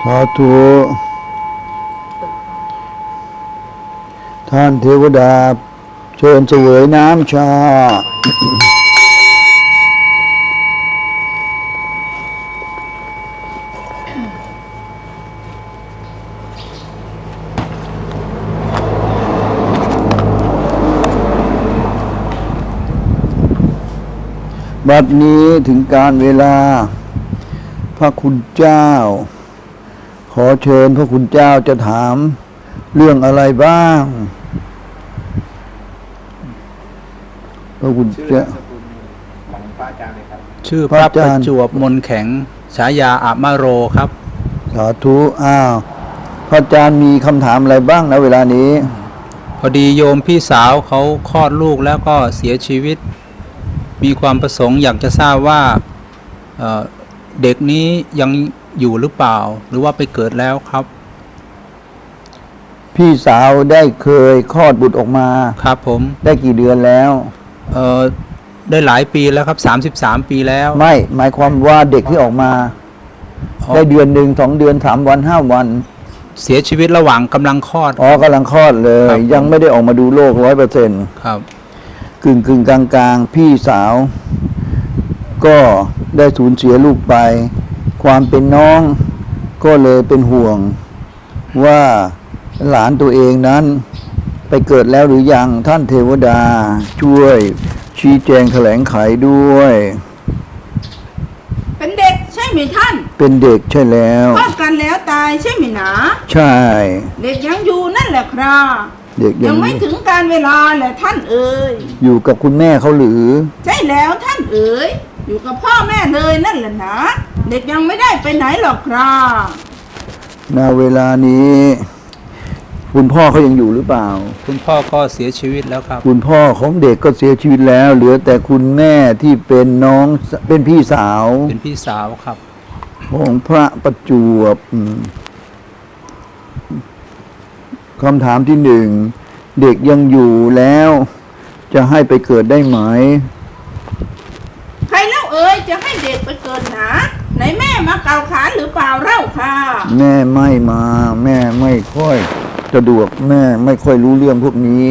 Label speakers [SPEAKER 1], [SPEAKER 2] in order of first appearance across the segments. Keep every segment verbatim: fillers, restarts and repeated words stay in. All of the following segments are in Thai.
[SPEAKER 1] สาธุท่านเทวดาเชิญเสวยน้ำชาบัดนี้ถึงการเวลาพระคุณเจ้าขอเชิญพระคุณเจ้าจะถามเรื่องอะไรบ้างพระคุณเจ้า
[SPEAKER 2] ของพระอาจารย์เลยครับ
[SPEAKER 3] ชื่อพระประจวบมนแข็งฉายาอะมะโรครับ
[SPEAKER 1] สาธุอ้าวพระอาจารย์มีคำถามอะไรบ้างนะเวลานี้
[SPEAKER 3] พอดีโยมพี่สาวเขาคลอดลูกแล้วก็เสียชีวิตมีความประสงค์อยากจะทราบว่า เ, เด็กนี้ยังอยู่หรือเปล่าหรือว่าไปเกิดแล้วครับ
[SPEAKER 1] พี่สาวได้เคยคลอดบุตรออกมา
[SPEAKER 3] ครับผม
[SPEAKER 1] ได้กี่เดือนแล้ว
[SPEAKER 3] เออได้หลายปีแล้วครับสามสิบสามปีแล้ว
[SPEAKER 1] ไม่หมายความว่าเด็กที่ออกมาได้เดือนหนึ่งสองเดือนสามวันห้าวัน
[SPEAKER 3] เสียชีวิตระหว่างกำลังคลอด
[SPEAKER 1] อ๋อกำลังคลอดเลยยังไม่ได้ออกมาดูโลกร้อยเปอร์เซ็นต์
[SPEAKER 3] ครับ
[SPEAKER 1] กึ่งกึ่งกลางกลางพี่สาวก็ได้สูญเสียลูกไปความเป็นน้องก็เลยเป็นห่วงว่าหลานตัวเองนั้นไปเกิดแล้วหรือยังท่านเทวดาช่วยชี้แจงแถลงไขด้วย
[SPEAKER 4] เป็นเด็กใช่ไหมท่าน
[SPEAKER 1] เป็นเด็กใช่แล้ว
[SPEAKER 4] คลอดกันแล้วตายใช่ไหมหนา
[SPEAKER 1] ใช่
[SPEAKER 4] เด็กยังอยู่นั่นแหละครับ
[SPEAKER 1] เด็ก
[SPEAKER 4] ยังไม่ถึงการเวลาแหละท่านเอ๋ย
[SPEAKER 1] อยู่กับคุณแม่เขาหรือ
[SPEAKER 4] ใช่แล้วท่านเอ๋ยอยู่กับพ่อแม่เลยนั่นแหละนะเด็กยังไม่ได้ไปไหนหรอกครับ
[SPEAKER 1] ณเวลานี้คุณพ่อเขายังอยู่หรือเปล่า
[SPEAKER 3] คุณพ่อก็เสียชีวิตแล้วครับ
[SPEAKER 1] คุณพ่อของเด็กก็เสียชีวิตแล้วเหลือแต่คุณแม่ที่เป็นน้องเป็นพี่สาว
[SPEAKER 3] เป็นพี่สาวครับ
[SPEAKER 1] ของพระประจวบคำถามที่หนึ่งเด็กยังอยู่แล้วจะให้ไปเกิดได้ไหม
[SPEAKER 4] ใครเล่าเอ๋ยจะให้เด็กไปเกิดหนาไหนแม่มาเกาขานหรือเปล่าเล่าค่ะ
[SPEAKER 1] แม่ไม่มาแม่ไม่ค่อยสะดวกแม่ไม่ค่อยรู้เรื่องพวกนี้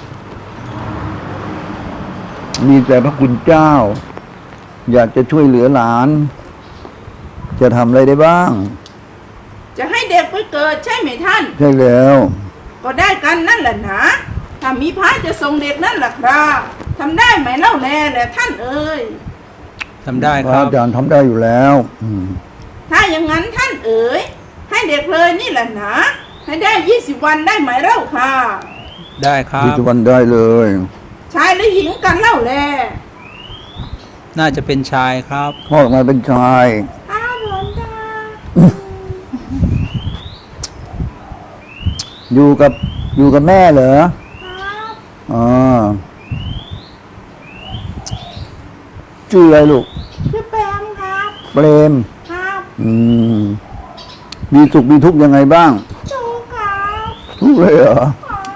[SPEAKER 1] มีแต่พระคุณเจ้าอยากจะช่วยเหลือหลานจะทำอะไรได้บ้าง
[SPEAKER 4] จะให้เด็กไปเกิดใช่ไหมท่าน
[SPEAKER 1] ใช่แล้ว
[SPEAKER 4] ก็ได้กันนั่นแหละนะถ้ามีพระจะส่งเด็กนั่นแหละครับทำได้ไหมเล่าแลแหละท่านเอ๋ย
[SPEAKER 3] ทำได้ครับ
[SPEAKER 1] อาจารย์ทำได้อยู่แล้ว
[SPEAKER 4] ถ้าอย่างนั้นท่านเอ๋ยให้เด็กเลยนี่แหละนะให้ได้ยี่สิบวันได้ไหมเล่าค่ะ
[SPEAKER 3] ได้ครับ
[SPEAKER 1] ยี่สิบวันได้เลย
[SPEAKER 4] ชายหรือหญิงกันเล่าแล
[SPEAKER 3] น่าจะเป็นชายครับ
[SPEAKER 1] พ่อออกมาเป็นชาย
[SPEAKER 4] อ้าวหลวงตา
[SPEAKER 1] อยู่กับอยู่กับแม่เหรอ
[SPEAKER 4] ครับ
[SPEAKER 1] อ๋อชื่ออะไรลูก
[SPEAKER 4] ชื่อเปรมครับ
[SPEAKER 1] เปรม
[SPEAKER 4] ครับ
[SPEAKER 1] อืมมีสุขมีทุกข์ยังไงบ้าง
[SPEAKER 4] ทุกข์ครับ
[SPEAKER 1] ทุกข์เลยเหรอ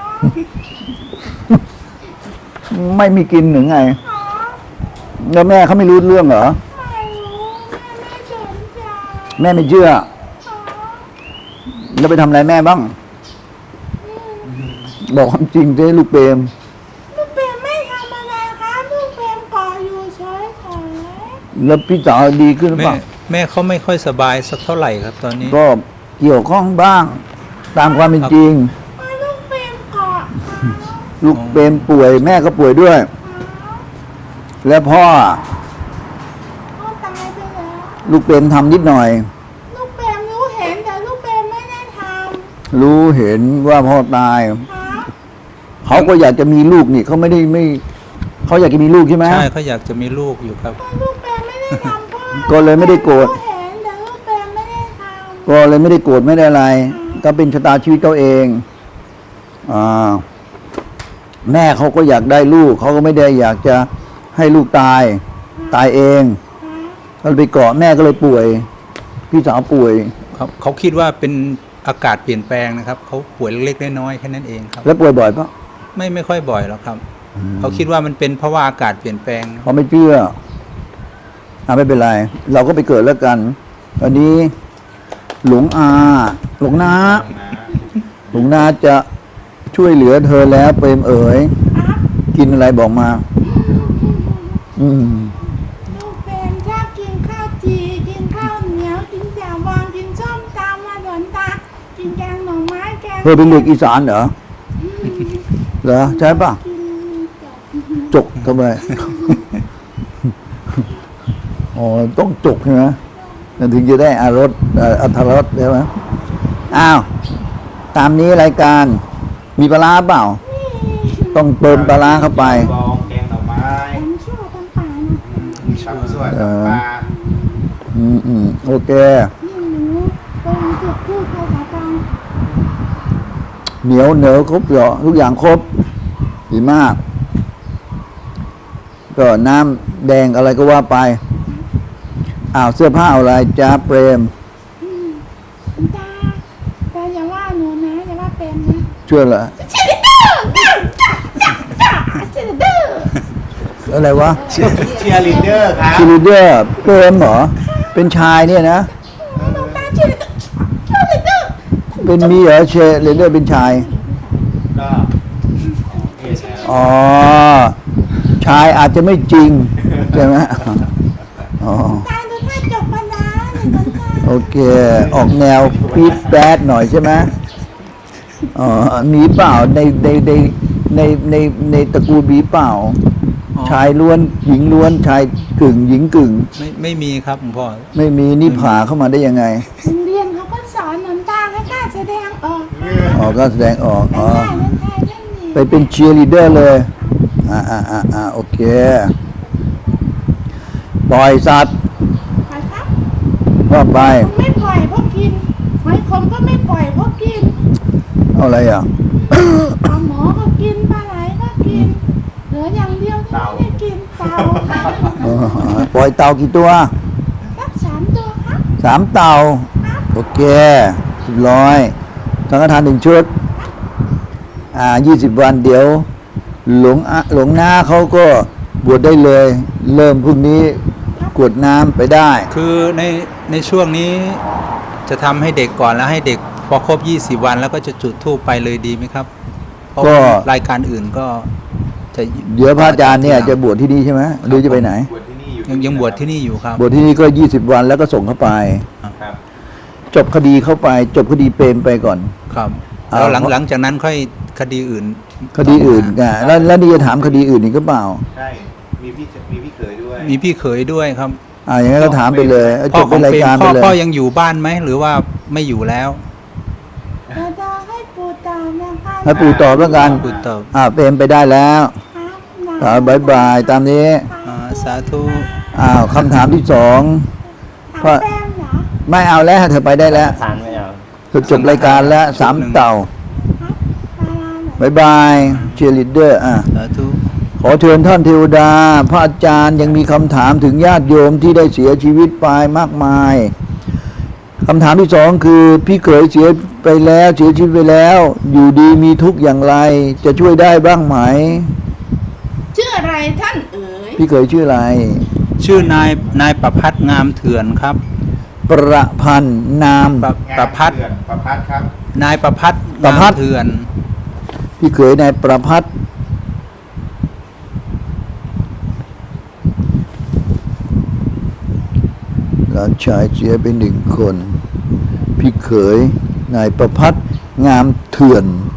[SPEAKER 1] ไม่มีกินหรือไงแล้วแม่เขาไม่รู้เรื่องเหรอ
[SPEAKER 4] ไม่รู้แม่ไม่สนใจ
[SPEAKER 1] แม่ไม่เชื่อแล้วไปทำอะไรแม่บ้างบอกความจริงสิลูกเปรม
[SPEAKER 4] ลูกเปรมไม่ทำอะไรครับลูกเปรมก่ออยู่เฉยๆ
[SPEAKER 1] แล้วพี่สาวดีขึ้นหรือเปล่า
[SPEAKER 3] แม่เขาไม่ค่อยสบายสักเท่าไหร่ครับตอนนี้
[SPEAKER 1] ก็เกี่ยวข้องบ้างตามความเป็นจริง
[SPEAKER 4] ลูกเปรมเกาะ
[SPEAKER 1] ลูกเปรมป่วยแม่ก็ป่วยด้วยแล้วพ่อ
[SPEAKER 4] พ่อตายไปแล้ว
[SPEAKER 1] ลูกเปรมทำนิดหน่อย
[SPEAKER 4] ลูกเปรมรู้เห็นแต่ลูกเปรมไม่ได้ท
[SPEAKER 1] ำรู้เห็นว่าพ่อตายเขาก็อยากจะมีลูกนี่เขาไม่ได้ไม่เขาอยากจะมีลูกใช่ไหม
[SPEAKER 3] ใช่เขาอยากจะมีลูกอยู่ครับ
[SPEAKER 4] ลูกเปรมไม่ได้ทำพ่อ
[SPEAKER 1] ก็เลยไม่ได้โกรธ
[SPEAKER 4] เห็นแต่ลูกเปรมไม่ได้ทำ
[SPEAKER 1] ก็เลยไม่ได้โกรธไม่ได้อะไรก็เป็นชะตาชีวิตเขาเองอ่าแม่เขาก็อยากได้ลูกเขาก็ไม่ได้อยากจะให้ลูกตายตายเองก็ไปเกาะแม่ก็เลยป่วยพี่สาวป่วย
[SPEAKER 3] เขาเขาคิดว่าเป็นอากาศเปลี่ยนแปลงนะครับเขาป่วยเล็กๆน้อยๆแค่นั้นเองครับ
[SPEAKER 1] แล้วป่วยบ่อยปะ
[SPEAKER 3] ไม่ไม่ค่อยบ่อยหรอกครับเขาคิดว่ามันเป็นเพราะว่าอากาศเปลี่ยนแปลง
[SPEAKER 1] เขาไม่เชื่ออ่ะไม่เป็นไรเราก็ไปเกิดแล้วกันตอนนี้หลวงอาหลวงนา
[SPEAKER 2] นะ
[SPEAKER 1] หลวงนาจะช่วยเหลือเธอแล้วเปรมเอ๋ย
[SPEAKER 4] ครับ
[SPEAKER 1] กินอะไรบอกมา อืม
[SPEAKER 4] ลูกเป็นชอบกินข้าวจีกินข้าวเหนียวกินแจ่วบองกินส้มตำมาหลนตากินแกงหน่อไม้แกง
[SPEAKER 1] เธอเป็นเด็กอีสานเหรอ เหรอใช่ปะ
[SPEAKER 4] กินจบ
[SPEAKER 1] จกทำไม อ๋อต้องจกใช่ไหมมันถึงจะได้อารสเอ่ออรรถรสใช่ไหมอ้าว ตามนี้รายการ มีปลาร้าเปล่า ต้องเติมปลาร้าเข้าไป
[SPEAKER 2] บองแกงหน่อไม้
[SPEAKER 4] ผมชั่วกันป่านะ
[SPEAKER 2] มีตำส่วนตำปลา
[SPEAKER 1] อืมอืมโอเค
[SPEAKER 4] นี่หนูเป็นจุดพูดภาษากลาง
[SPEAKER 1] เหนียวเหนียวครบเหรอทุกอย่างครบ ดีมาก ก็น้ำแดงอะไรก็ว่าไป อ้าว เสื้อผ้าเอาอะไรจ้าเปรม
[SPEAKER 4] ตาตาอย่าว่าหนูนะอย่าว่าเป็นนะ
[SPEAKER 1] ช่วยเหรอ
[SPEAKER 4] เชลิเดอร์จ้าจ้าจ้าจ้าเชลิเดอร์
[SPEAKER 1] อะไรวะ
[SPEAKER 2] เชียร์ลีดเดอร์ครับ
[SPEAKER 1] ชิลิเดอร์เปรมเหรอ เป็นชายเนี่ยนะ
[SPEAKER 4] หนูตาเชลิเดอร์เชลิเดอร์
[SPEAKER 1] เป็นมีเหรอเชเลเดอร์เป็นชาย
[SPEAKER 2] ก็เอชแอล
[SPEAKER 1] อ๋อ ชายอาจจะไม่จริง ใช่ไหมอ๋อ
[SPEAKER 4] ตาดูถ้าจบมานะหนึ่งคนตา
[SPEAKER 1] โอเค ออกแนวฟีดแบดหน่อยใช่ไหมอ๋อ มีเปล่าในในในในในในตระกูลมีเปล่า
[SPEAKER 3] อ๋อ
[SPEAKER 1] ชายล้วน หญิงล้วน ชายกึ่ง หญิงกึ่ง
[SPEAKER 3] ไม่ไม่มีครับหลวงพ่อ
[SPEAKER 1] ไม่มีนี่ผ่าเข้ามาได้ยังไง
[SPEAKER 4] โรงเรียนเขาก็สอนหนูตาให้กล้าแสดงออก
[SPEAKER 1] อ๋อ ก็แสดงออก
[SPEAKER 4] ไม่
[SPEAKER 1] อ๋อ
[SPEAKER 4] ได้เล่นไทยเล่นนี่
[SPEAKER 1] ไปเป็นเชียร์ลีดเดอร์เลย อ่าอ่าอ่าอ่าโอเค ปล่อยสัตว์
[SPEAKER 4] ไปครับ
[SPEAKER 1] ว่าไป
[SPEAKER 4] ผมไม่ปล่อยเพราะกินหอยคมก็ไม่ปล่อยเพราะกิน
[SPEAKER 1] เอาอะไรอ่ะ
[SPEAKER 4] ปลาหมอก็กินปลาไหลก็กิน เหลืออย่างเดียวที่ไม่ได้กินเต่าครับ
[SPEAKER 1] อ๋อปล่อยเต่ากี่ตัว
[SPEAKER 4] สักสามตัวครับ
[SPEAKER 1] สามเต่า
[SPEAKER 4] ครับ
[SPEAKER 1] โอเคสิบร้อยสังฆทานหนึ่งชุด อ่ายี่สิบวันเดี๋ยว หลวงอะหลวงหน้าเขาก็บวชได้เลย เริ่มพรุ่งนี้กรวดน้ำไปได้
[SPEAKER 3] คือในในช่วงนี้จะทำให้เด็กก่อนแล้วให้เด็กพอครบยี่สิบวันแล้วก็จะจุดธูปไปเลยดีไหมครับเพราะ
[SPEAKER 1] ก็
[SPEAKER 3] รายการอื่นก็จะ
[SPEAKER 1] เดี๋ยวพระอาจารย์เนี่ยจะบวชที่นี่ใช่ไหมหรือจะไปไหน
[SPEAKER 2] บวชที่นี่อยู่
[SPEAKER 3] ยังยังบวชที่นี่อยู่ครับ
[SPEAKER 1] บวชที่นี่ก็ยี่สิบวันแล้วก็ส่งเข้าไป
[SPEAKER 2] ครับ
[SPEAKER 1] จบคดีเข้าไป จบคดีเปรมไปก่อน
[SPEAKER 3] ครับ
[SPEAKER 1] เอา
[SPEAKER 3] แล้วหลังหลังจากนั้นค่อยคดีอื่น
[SPEAKER 1] คดีอื่นไงแล้วแล้วนี่จะถามคดีอื่นอีกก็เปล่า
[SPEAKER 2] ใช่ มีพี่มีพี่เขยด้วย
[SPEAKER 3] มีพี่เขยด้วยครับ
[SPEAKER 1] อ่าอย่างนั้นก็ถามไปเลยเอา
[SPEAKER 3] พ่
[SPEAKER 1] จ
[SPEAKER 3] อบ ข
[SPEAKER 1] เป็
[SPEAKER 3] อน ง
[SPEAKER 1] ราย
[SPEAKER 3] เปรม
[SPEAKER 1] การ
[SPEAKER 3] พ่
[SPEAKER 1] ไป
[SPEAKER 3] อ
[SPEAKER 1] เลย
[SPEAKER 3] พ่อยังอยู่บ้านไหมหรือว่าไม่อยู่แล้ว
[SPEAKER 4] เราจะให้ปูตามนะคะ
[SPEAKER 1] ให้ปู่ตอบแล้วกัน
[SPEAKER 3] ปู่ตอบ
[SPEAKER 1] อ่าเปรมไปได้แล้ว
[SPEAKER 4] ครับ
[SPEAKER 1] อ่าบายบายตามนี้
[SPEAKER 3] อ่าสาธุ
[SPEAKER 1] อ้าวคำถามที่สอง
[SPEAKER 4] ถามแป้งเหรอ
[SPEAKER 1] ไม่เอาแล้วเธอไปได้แล้ว
[SPEAKER 2] ทานไม่เอา
[SPEAKER 1] เธอจบรายการแล้วสามเต่า
[SPEAKER 4] ครับปลาเหรอบ
[SPEAKER 1] ายบายเชียร์ลีดเดอร์อ่ะ
[SPEAKER 3] สาธุ
[SPEAKER 1] ขอเชิญท่านเทวดา พระอาจารย์ยังมีคำถามถึงญาติโยมที่ได้เสียชีวิตไปมากมายคำถามที่สองคือพี่เขยเสียไปแล้วเสียชีวิตไปแล้ว อยู่ดีมีทุกข์อย่างไร จะช่วยได้บ้างไหม
[SPEAKER 4] ชื่ออะไรท่านเอ๋ย
[SPEAKER 1] พี่เขยชื่ออะไร
[SPEAKER 3] ชื่อนายนายประพัฒน์งามเถื่อนครับ
[SPEAKER 1] ประพันธ์นาม
[SPEAKER 3] ประประพัฒน์
[SPEAKER 2] งานเถื่อนประพัดครับ
[SPEAKER 3] นายประพัฒน์
[SPEAKER 1] ประพัฒน์
[SPEAKER 3] งามเถื่อน
[SPEAKER 1] พี่เขยนายประพัฒน์หลานชายเสียไปหนึ่งคน พี่เขยนายประพัฒน์งามเถื่อน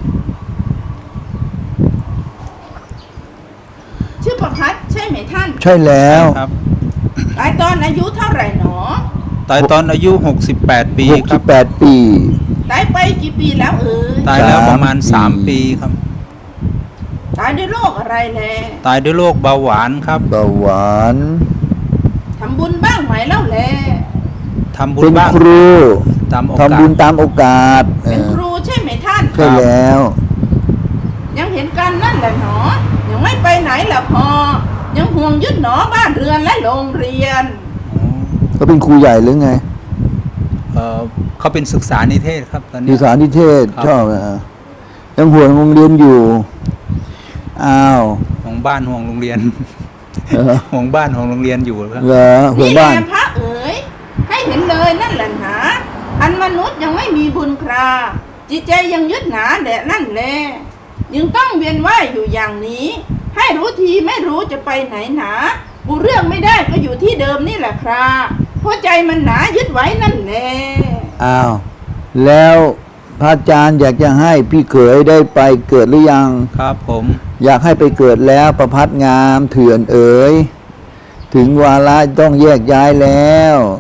[SPEAKER 4] ชื่อประพัดใช่ไหมท่าน
[SPEAKER 1] ใช่แล้ว
[SPEAKER 3] ครับ
[SPEAKER 4] ตายตอนอายุเท่าไหร่หนอ
[SPEAKER 3] ตายตอนอายุหกสิบแปดปี
[SPEAKER 1] หก
[SPEAKER 3] ค
[SPEAKER 1] สิ
[SPEAKER 3] รั
[SPEAKER 1] บบ แปดปี
[SPEAKER 4] ตายไปกี่ปีแล้วเอ๋ย
[SPEAKER 3] ตายแล้วประมาณ
[SPEAKER 1] สา
[SPEAKER 3] สาม ม
[SPEAKER 1] ปี
[SPEAKER 3] ปีครับ
[SPEAKER 4] ตายด้วยโรคอะไรแล
[SPEAKER 3] ตายด้วยโรคเบาหวานครับ
[SPEAKER 1] เบาหวาน
[SPEAKER 4] ทำบุญบ้างไหมเล่าแล
[SPEAKER 3] ทำบุญ
[SPEAKER 1] เป็น
[SPEAKER 3] บ้าง
[SPEAKER 1] ครู
[SPEAKER 3] ตามโอกาส
[SPEAKER 1] ทำบุญตามโอกาสเอ
[SPEAKER 4] เป็น
[SPEAKER 1] อ
[SPEAKER 4] ครูใช่ไหมท่าน
[SPEAKER 1] ใช่แล้ว
[SPEAKER 4] ยังเห็นกันนั่นแหละหนอ ยังไม่ไปไหนละพอ ยังห่วงยึดหนอบ้านเรือนและโรงเรียน
[SPEAKER 1] เขาเป็นครูใหญ่หรือไง
[SPEAKER 3] เอ่อเขาเป็นศึกษานิเทศครับตอน
[SPEAKER 1] ดี
[SPEAKER 3] นี้
[SPEAKER 1] สารนิเทศ
[SPEAKER 3] ครับ
[SPEAKER 1] ชอบอ่ะยังห่วงโรงเรียนอยู่ อ้าว
[SPEAKER 3] ห่วงบ้านห่วงโรงเรียน
[SPEAKER 1] เหรอ
[SPEAKER 3] ห่วงบ้านห่วงโรงเรียนอยู่ครับ
[SPEAKER 1] เหรอห่วง
[SPEAKER 4] นี่แห
[SPEAKER 1] บ้า
[SPEAKER 4] ละ
[SPEAKER 1] น
[SPEAKER 4] พระเอ๋ยให้เห็นเลยนั่นแหละหนาพอันมนุษย์ยังไม่มีบุญคราจิตใจยังยึดหนาแดะนั่นแลยังต้องเวียนว่ายอยู่อย่างนี้ ให้รู้ทีไม่รู้จะไปไหนหนาบูเรื่องไม่ได้ก็อยู่ที่เดิมนี่แหละคราเพราะใจมันหนายึดไว้นั่นแหละ
[SPEAKER 1] อ้าวแล้วพระอาจารย์อยากจะให้พี่เขยได้ไปเกิดหรือยัง
[SPEAKER 3] ครับผม
[SPEAKER 1] อยากให้ไปเกิดแล้วประพัดงามเถื่อนเอ๋ยถึงวาระต้องแยกย้ายแล้ว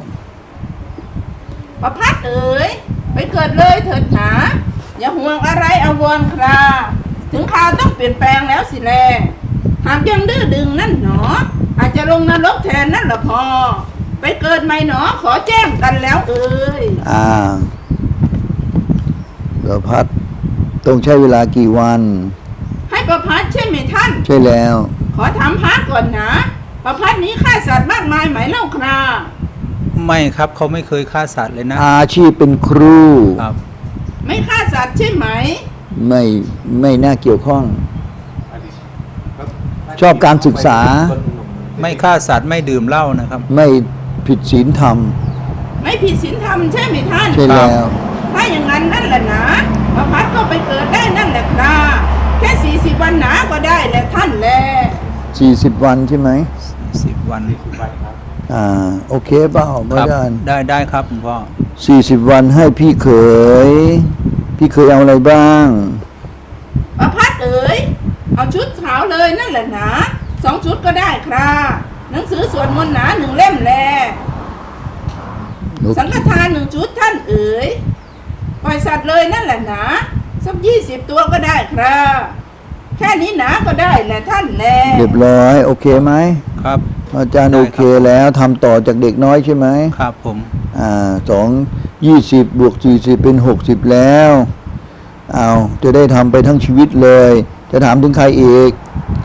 [SPEAKER 4] ประพัดเอ๋ยไปเกิดเลยเถิดหนาอย่าห่วงอะไรอาวรคราถึงคราวต้องเปลี่ยนแปลงแล้วสิแลหากยังดื้อดึงนั่นหนออาจจะลงนรกแทนนั่นละพอไปเกิดใหม่หนอขอแจ้งกันแล้วเอ๋ย
[SPEAKER 1] อ่าประพัดต้องใช้เวลากี่วัน
[SPEAKER 4] ให้ประพัดใช่ไหมท่าน
[SPEAKER 1] ใช่แล้ว
[SPEAKER 4] ขอถามพระก่อนนะประพัดนี้ฆ่าสัตว์มากมายไหมเล่าครา
[SPEAKER 3] ไม่ครับเขาไม่เคยฆ่าสัตว์เลยนะ
[SPEAKER 1] อาชีพเป็นครู
[SPEAKER 3] ครับ
[SPEAKER 4] ไม่ฆ่าสัตว์ใช่ไหม
[SPEAKER 1] ไม่ไม่น่าเกี่ยวข้อง
[SPEAKER 2] อันนี้ก็
[SPEAKER 1] ชอบการศึกษา
[SPEAKER 3] ไม่ฆ่าสัตว์ไม่ดื่มเหล้านะครับ
[SPEAKER 1] ไม่ผิดศีลธรรม
[SPEAKER 4] ไม่ผิดศีลธรรมใช่ไหมท่าน
[SPEAKER 1] ใช่แล้ว
[SPEAKER 4] ถ้าอย่างนั้นนั่นแหละนะประพัดก็ไปเกิดได้นั่นแหละคราแค่สี่สิบวันหนาก็ได้แหละท่านแล
[SPEAKER 1] สี่สิบวันใช่ไหม
[SPEAKER 3] สิบวัน
[SPEAKER 2] นี่คือไปครับ
[SPEAKER 1] อ่าโอเคเปล่า
[SPEAKER 3] ค
[SPEAKER 1] ไม่
[SPEAKER 3] รับ
[SPEAKER 1] ได้
[SPEAKER 3] ได้ได้ครับคุณพ่อ
[SPEAKER 1] สี่สิบวันให้พี่เขย พี่เขยเอาอะไรบ้าง
[SPEAKER 4] ประพัดเอ๋ยเอาชุดขาวเลยนั่นแหละนะสองชุดก็ได้คราหนังสือสวดมนต์หนาหนึ่งเล่มแล
[SPEAKER 1] โอเค
[SPEAKER 4] สังฆทานหนึ่งชุดท่านเอ๋ยปล่อยสัตว์เลยนั่นแหละนะสักยี่สิบตัวก็ได้ครับแค่นี้หนาก็ได้แหละท่านแล
[SPEAKER 1] เรียบร้อยโอเคไหม
[SPEAKER 3] ครับ
[SPEAKER 1] อาจารย์
[SPEAKER 3] ได้
[SPEAKER 1] โอ
[SPEAKER 3] ครับ
[SPEAKER 1] เคแล้วทำต่อจากเด็กน้อยใช่ไหม
[SPEAKER 3] ครับผม
[SPEAKER 1] อ่าสองยี่สิบบวกสี่สิบเป็นหกสิบแล้วเอาจะได้ทำไปทั้งชีวิตเลย จะถามถึงใครอีก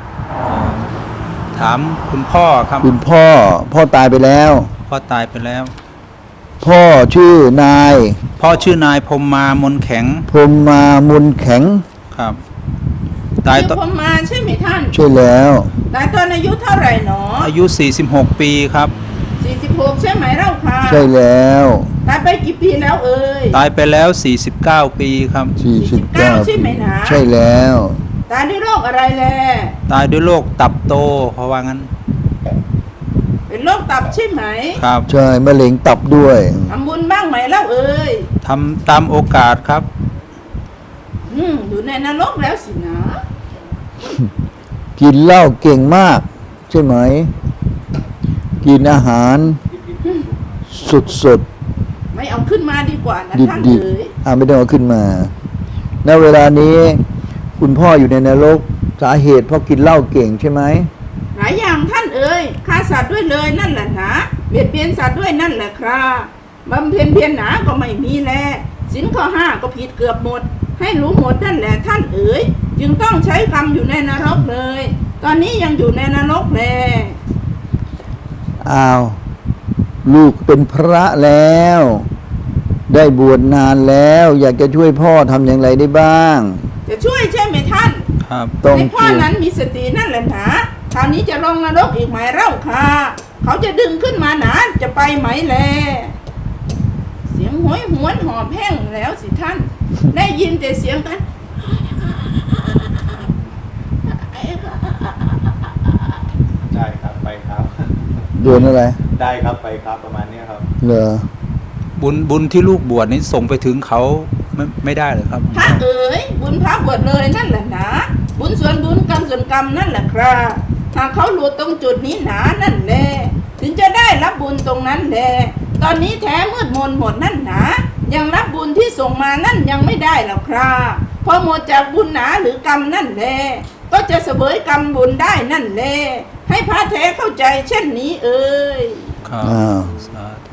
[SPEAKER 3] ถามคุณพ่อครับ
[SPEAKER 1] คุณพ่อ พ่อตายไปแล้ว
[SPEAKER 3] พ่อตายไปแล้ว
[SPEAKER 1] พ่อชื่อนาย
[SPEAKER 3] พ่อชื่อนายพรหมมามนแข็ง
[SPEAKER 1] พรหมมามุนแข็ง
[SPEAKER 3] ครับ ตาย
[SPEAKER 4] คือ
[SPEAKER 3] ตอน
[SPEAKER 4] ผมมาใช่ไหมท่าน
[SPEAKER 1] ใช่แล้ว
[SPEAKER 4] ตายตอนอายุเท่าไหร่หนอ
[SPEAKER 3] อายุสี่สิบหกปีครับ
[SPEAKER 4] สี่สิบหกใช่ไหมเล่าค่ะ
[SPEAKER 1] ใช่แล้ว
[SPEAKER 4] ตายไปกี่ปีแล้วเอ่ย
[SPEAKER 3] ตายไปแล้วสี่สิบเก้าปีครับ
[SPEAKER 1] สี่สิบเก้า
[SPEAKER 4] ใช่ไหมนะ
[SPEAKER 1] ใช่แล้ว
[SPEAKER 4] ตายด้วยโรคอะไรแล
[SPEAKER 3] ตายด้วยโรคตับโตเพราะว่างั้น
[SPEAKER 4] เป็นโรคตับใช่ไหม
[SPEAKER 3] ครับ
[SPEAKER 1] ใช่มะเร็งตับด้วย
[SPEAKER 4] ทำบุญบ้างไหมเล่าเอ่ย
[SPEAKER 3] ทำตามโอกาสครับ
[SPEAKER 4] อืมอยู่ในนรกแล้วสินะ
[SPEAKER 1] กินเหล้าเก่งมาก ใช่ไหม กินอาหารสดสด
[SPEAKER 4] ไม่เอาขึ้นมาดีกว่านะ
[SPEAKER 1] ดิบ
[SPEAKER 4] ท่าน
[SPEAKER 1] ดิบ
[SPEAKER 4] เอ๋ย
[SPEAKER 1] อ่าไม่ต้องเอาขึ้นมาณเวลานี้ คุณพ่ออยู่ในนรกสาเหตุเพราะกินเหล้าเก่งใช่ไหม
[SPEAKER 4] หลายอย่างท่านเอ๋ยฆ่าสัตว์ด้วยเลยนั่นแหละนะเบียดเบียนสัตว์ด้วยนั่นแหละครับบำเพ็ญเพียรหนาก็ไม่มีแลสินข้อห้าก็ผิดเกือบหมด ให้รู้หมดนั่นแหละท่านเอ๋ยจึงต้องใช้กรรมอยู่ในนรกเลย ตอนนี้ยังอยู่ในนรกแล
[SPEAKER 1] อ้าว ลูกเป็นพระแล้ว ได้บวชนานแล้ว อยากจะช่วยพ่อทำอย่างไรได้บ้าง
[SPEAKER 4] จะช่วยใช่ไหมท่าน
[SPEAKER 3] ครับ
[SPEAKER 1] ต้อง
[SPEAKER 4] ในพ่อนั้นมีสตินั่นแหละนะคราวนี้จะลงนรกอีกไหมเล่าค่ะเขาจะดึงขึ้นมาหนาจะไปไหมแลเสียงโหยหวนหอบแห้งแล้วสิท่าน ได้ยินแต่เสียงกัน
[SPEAKER 2] ได้ครับไปครับ
[SPEAKER 1] โดนอะไร
[SPEAKER 2] ได้ครับไปครับประมาณเนี้ยครับ
[SPEAKER 1] เหรอ
[SPEAKER 3] บุญบุญที่ลูกบวชนี้ส่งไปถึงเขาไม่ไม่ได้เลยครับ
[SPEAKER 4] พระเอ๋ยบุญพระบวชเลยนั่นแหละนะบุญส่วนบุญกรรมส่วนกรรมนั่นแหละครับหากเขาหลุดตรงจุดนี้หนานั่นแหละถึงจะได้รับบุญตรงนั้นแหละตอนนี้แท้มืดมนหมดนั่นหนายังรับบุญที่ส่งมานั่นยังไม่ได้หรอกครับพอหมดจากบุญหนาหรือกรรมนั่นแหละก็จะเสวยกรรมบุญได้นั่นแหละให้พระแท้เข้าใจเช่นนี้เอ่ย
[SPEAKER 3] ครับ
[SPEAKER 1] อ้าว
[SPEAKER 3] สาธุ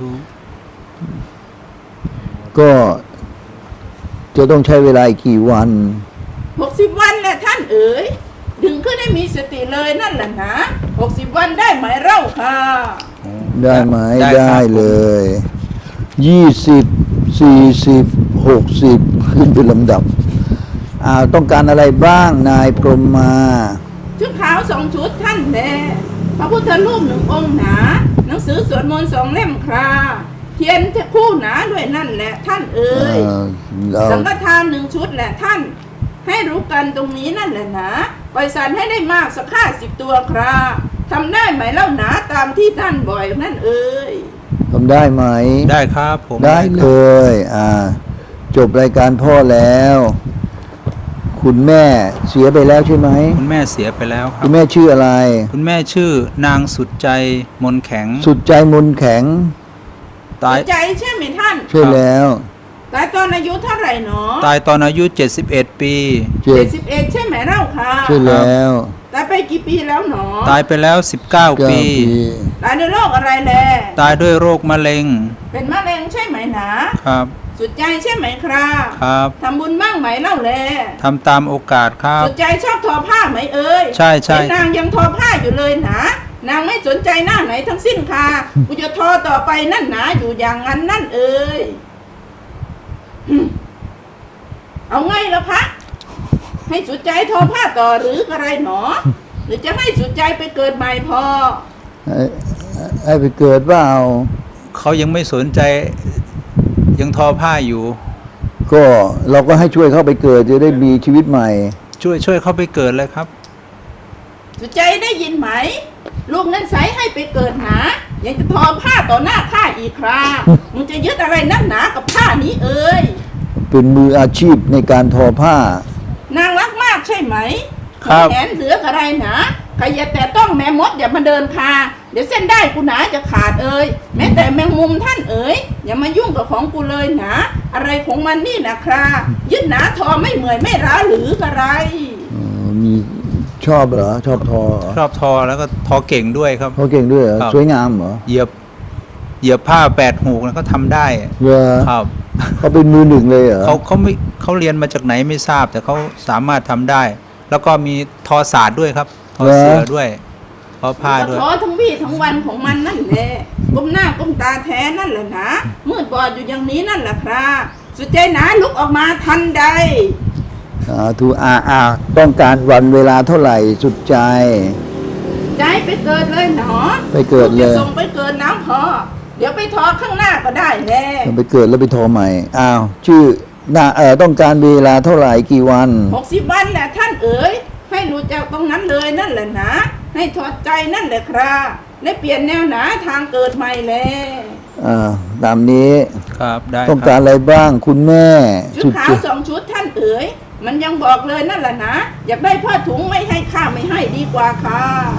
[SPEAKER 1] ก็จะต้องใช้เวลาอีกกี่วัน
[SPEAKER 4] หกสิบวันแหละท่านเอ๋ยดึงขึ้นให้มีสติเลยนั่นแหละนะหกสิบวันได้ไหมเล่าค่ะ
[SPEAKER 1] ได้ไหม
[SPEAKER 3] ครับ
[SPEAKER 1] ได้เลยยี่สิบสี่สิบหกสิบขึ้นเป็นลำดับอ้าวต้องการอะไรบ้างนายพรหมมา
[SPEAKER 4] ชุดขาวสองชุดท่านแลพระพุทธรูปหนึ่งองค์หนา หนังสือสวดมนต์สองเล่มคราเทียนคู่หนาด้วยนั่นแหละท่านเอ๋ย
[SPEAKER 1] เออเรา
[SPEAKER 4] สังฆทานหนึ่งชุดแหละท่าน ให้รู้กันตรงนี้นั่นแหละนะปล่อยสันให้ได้มากสักห้าสิบตัวครับทำได้ไหมเล่าหนาตามที่ท่านบ่อยนั่นเอ๋ย
[SPEAKER 1] ทำได้ไหม
[SPEAKER 3] ได้ครับผม
[SPEAKER 1] ได้เลย อ่า จบรายการพ่อแล้ว คุณแม่เสียไปแล้วใช่ไหม
[SPEAKER 3] คุณแม่เสียไปแล้วครั
[SPEAKER 1] คุ
[SPEAKER 3] บ
[SPEAKER 1] ณแม่ชื่ออะไร
[SPEAKER 3] คุณแม่ชื่อนางสุดใจมนแข็ง
[SPEAKER 1] สุดใจมนแข็ง
[SPEAKER 3] ตาย
[SPEAKER 4] ใจใช่ไหมท่าน
[SPEAKER 1] ใช่แล้ว
[SPEAKER 4] ตายตอนอายุเท่าไหร่หนอ
[SPEAKER 3] ตายตอนอายุเจ็ดสิบเอ็ดปี
[SPEAKER 1] เจ็
[SPEAKER 4] เจ็
[SPEAKER 1] ด
[SPEAKER 4] ดสิบเอ็ดใช่ไหมเล่าค่ะ
[SPEAKER 1] ใช่แล้ว
[SPEAKER 4] ตายไปกี่ปีแล้วหนอ
[SPEAKER 3] ตายไปแล้วสิบเก้า
[SPEAKER 1] เก้า
[SPEAKER 3] ปี
[SPEAKER 1] ปี
[SPEAKER 4] ตายด้วยโรคอะไรแล
[SPEAKER 3] ตายด้วยโรคมะเร็ง
[SPEAKER 4] เป็นมะเร็งใช่ไหมหนา
[SPEAKER 3] ครับ
[SPEAKER 4] สุดใจใช่ไหมครับ
[SPEAKER 3] ครับ
[SPEAKER 4] ทำบุญบ้างไหมเล่าแล
[SPEAKER 3] ทำตามโอกาสครับ
[SPEAKER 4] สุดใจชอบทอผ้าไหมเอ่ย
[SPEAKER 3] ใช่ใช่
[SPEAKER 4] เห็นนางยังทอผ้าอยู่เลยหนานางไม่สนใจหน้าไหนทั้งสิ้นค่ะกูจะทอต่อไปนั่นหนาอยู่อย่างนั้นนั่นเอ่ยอืมเอาไงละพระให้สุดใจทอผ้าต่อหรืออะไรหนอ หรือจะให้สุดใจไปเกิดใหม่พอ
[SPEAKER 1] ให้ให้ไปเกิดว่าเอา
[SPEAKER 3] เขายังไม่สนใจยังทอผ้าอยู่
[SPEAKER 1] ก็เราก็ให้ช่วยเข้าไปเกิดจะได้มีชีวิตใหม่
[SPEAKER 3] ช่วยช่วยเขาไปเกิดเลยครับ
[SPEAKER 4] สุดใจได้ยินไหม ลูกนั้นใสให้ไปเกิดหนายังจะทอผ้าต่อหน้าข้าอีกครามึงจะยึดอะไรนักหนากับผ้านี้เอ่ย
[SPEAKER 1] เป็นมืออาชีพในการทอผ้า
[SPEAKER 4] นางรักมากใช่ไหม
[SPEAKER 3] ครับ
[SPEAKER 4] แขนเหลืออะไรหนาใครอย่าแต่ต้องแม่มดอย่ามาเดินคาเดี๋ยวเส้นได้กูหนาจะขาดเอ่ยแม้แต่แมงมุมท่านเอ๋ยอย่ามายุ่งกับของกูเลยหนาอะไรของมันนี่นะครายึดหนาทอไม่เหมื่อยไม่ร้าหรืออะไร
[SPEAKER 1] อ๋อมีชอบเหรอ ชอบทอเหรอ
[SPEAKER 3] ชอบทอแล้วก็ทอเก่งด้วยครับ
[SPEAKER 1] เขาเก่งด้วยเหรอ
[SPEAKER 3] ครับ
[SPEAKER 1] สวยงามเหรอ
[SPEAKER 3] เหยียบเหยียบผ้าแปดหูกแล้วก็ทำได้
[SPEAKER 1] เหรอ
[SPEAKER 3] ครับ
[SPEAKER 1] เขาเป็นมือหนึ่งเลยเหรอ
[SPEAKER 3] เขาเขาไม่เขาเรียนมาจากไหนไม่ทราบ แต่เขาสามารถทำได้ แล้วก็มีทอศาสตร์ด้วยครับ ทอเสือด้วยทอผ้าด้วย
[SPEAKER 4] ก็ท้อทั้งวี่ทั้งวันของมันนั่นแหละก้มหน้าก้มตาแท้นั่นแหละนะมืดบอดอยู่อย่างนี้นั่นแหละครับสุดใจหนาลุกออกมาทันใด
[SPEAKER 1] อ่าทูอาอาต้องการวันเวลาเท่าไหร่สุดใจ
[SPEAKER 4] ใจไปเกิดเลยหนอ
[SPEAKER 1] ไปเกิดเลย
[SPEAKER 4] จะส่งไปเกิดน้ำพอเดี๋ยวไปทอข้างหน้าก็ได้แน่
[SPEAKER 1] ไปเกิดแล้วไปทอใหม่ อ้าว ชื่อหน้าเออต้องการเวลาเท่าไหร่กี่วัน
[SPEAKER 4] หกสิบวันแหละท่านเอ๋ยให้รู้จักตรงนั้นเลยนั่นแหละนะให้ถอดใจนั่นแหละครับและเปลี่ยนแนวหนาทางเกิดใหม่แล
[SPEAKER 1] อ่า ตามนี้
[SPEAKER 3] ครับได้
[SPEAKER 1] ต้อง
[SPEAKER 3] ค
[SPEAKER 1] กา
[SPEAKER 3] รั
[SPEAKER 1] ร
[SPEAKER 3] บ
[SPEAKER 1] อะไรบ้างคุณแม่
[SPEAKER 4] ชุดขาว
[SPEAKER 1] ใจ
[SPEAKER 4] สองชุดท่านเอ๋ยมันยังบอกเลยนั่นแหละนะอยากได้ผ้าถุงไม่ให้ข้าไม่ให้ดีกว่าค่ะ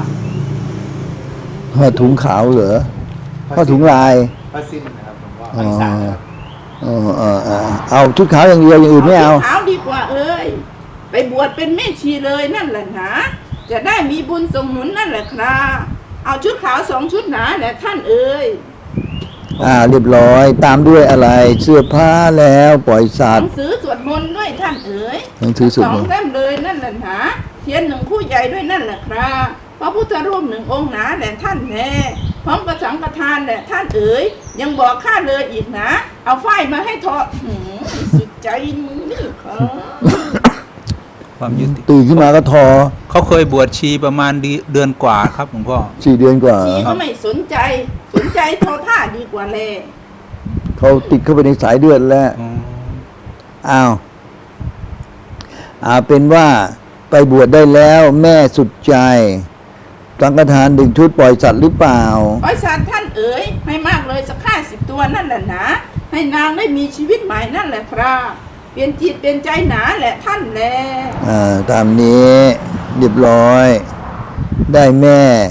[SPEAKER 1] ผ้าถุงขาวเหรอผ้าถุงลาย
[SPEAKER 2] ผ้าสิ้นนะครับผมว่า
[SPEAKER 1] อ๋อ
[SPEAKER 2] ผ้าสารนะครับ
[SPEAKER 1] เออเออเออเอาชุดขาวอย่างเดียวอย่างอื่นไม่เอา
[SPEAKER 4] ชุดขาวดีกว่าเอ้ยไปบวชเป็นแม่ชีเลยนั่นแหละนะจะได้มีบุญส่งหนุนนั่นแหละครับเอาชุดขาวสองชุดหนาแหละท่านเอ๋ย
[SPEAKER 1] อ่า เรียบร้อย ตามด้วยอะไร เสื้อผ้าแล้วปล่อยสั
[SPEAKER 4] ห
[SPEAKER 1] ต
[SPEAKER 4] นั
[SPEAKER 1] ว์
[SPEAKER 4] งสือสวดมนต์ด้วยท่านเอ๋ย
[SPEAKER 1] หนังสือสวด
[SPEAKER 4] สอ
[SPEAKER 1] ม
[SPEAKER 4] ง
[SPEAKER 1] นต์
[SPEAKER 4] เล่มเลยนั่นแหละนะเทียนหนึ่งคู่ใหญ่ด้วยนั่นแหละครับพระพุทธรูปหนึ่งองค์หนาแหละท่านแน่พร้อมกับสังฆทานแหละท่านเอ๋ยยังบอกข้าเลยอีกนะ เอาฝ้ายมาให้ทอดหืมสุดใจมึงนี่ครับ
[SPEAKER 3] ความยุติ
[SPEAKER 1] ตื่นขึ้นมาก็ทอ
[SPEAKER 3] เขาเคยบวชชีประมาณเดือนเดือนกว่าครับหลวงพ่อ
[SPEAKER 1] สี่เดือนกว่า
[SPEAKER 4] ชีก็ไม่สนใจ สนใจทอผ้าดีกว่าเลย
[SPEAKER 1] เขาติดเข้าไปในสายเลือดแล้ว
[SPEAKER 3] อ๋อ
[SPEAKER 1] อ้าวอ่าเป็นว่าไปบวชได้แล้วแม่สุดใจสังฆทานดึงชุดปล่อยสัตว์หรือเปล่า
[SPEAKER 4] ขอสารท่านเอ๋ยให้มากเลยสักห้าสิบตัวนั่นแหละนะให้นางได้มีชีวิตใหม่นั่นแหละครับเปลี่ยนจิตเปลี่ยนใจหนาแหละท่านแล
[SPEAKER 1] อ่าตามนี้เรียบร้อย ได้แม่